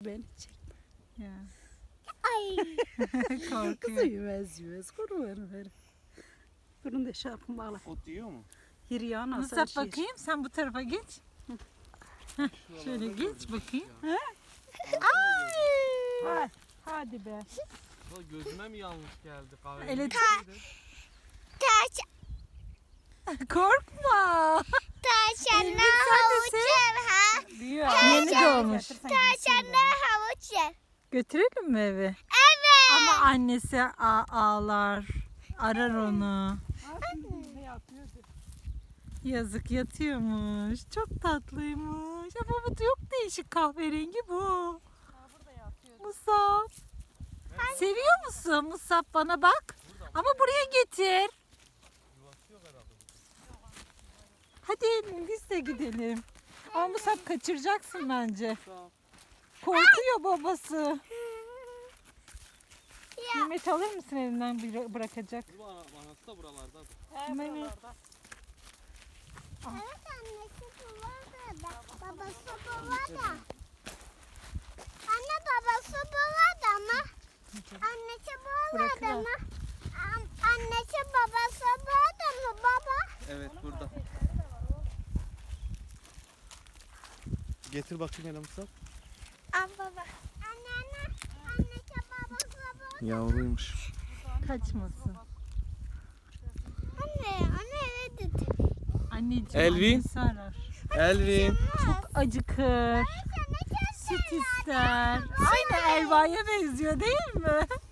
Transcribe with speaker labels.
Speaker 1: beni çekme.
Speaker 2: Ya.
Speaker 3: Ay.
Speaker 2: Korkuyor.
Speaker 1: Kızı yüvez koruverin beni. Bunun da şarkımı bağla.
Speaker 4: Ot yiyor mu?
Speaker 1: Hiryana
Speaker 2: Musab bakayım, sen bu tarafa geç. Heh, şöyle geç bakayım. Ay!
Speaker 1: Hadi be.
Speaker 4: Ya gözüme mi yanlış geldi kahve?
Speaker 3: Taş,
Speaker 2: Korkma.
Speaker 3: taşanla
Speaker 2: Elbin, sen de
Speaker 3: havuç yer ha.
Speaker 2: Yeni doğmuş.
Speaker 3: Taşanla havuç yer.
Speaker 2: Götürelim mi eve?
Speaker 3: Evet.
Speaker 2: Ama annesi ağlar. Arar onu. Yazık, yatıyormuş. Çok tatlıymış. Ama bu çok değişik, kahverengi bu. Musab. Seviyor musun Musab, bana bak. Ama buraya getir. Hadi biz de gidelim. Ama Musab kaçıracaksın bence. Korkuyor babası. Mehmet alır mısın elinden bırakacak?
Speaker 4: Anası da buralarda.
Speaker 2: Mehmet.
Speaker 3: Evet annesi burada. Babası burada. Anne babası burada ama. Annesi burada
Speaker 2: Bırakıver.
Speaker 3: ama. Annesi babası burada mı baba?
Speaker 4: Evet burada. Getir bakayım hele Musa.
Speaker 3: Al baba. Anne. Annesi babası burada.
Speaker 4: Yavruymuş.
Speaker 2: Kaçmasın.
Speaker 3: Anne eve dedi.
Speaker 2: Anneciğim,
Speaker 4: Elvin.
Speaker 2: annesi arar.
Speaker 4: Elvin.
Speaker 2: Acıkır. Süt ister. Aynı Elva'ya benziyor değil mi?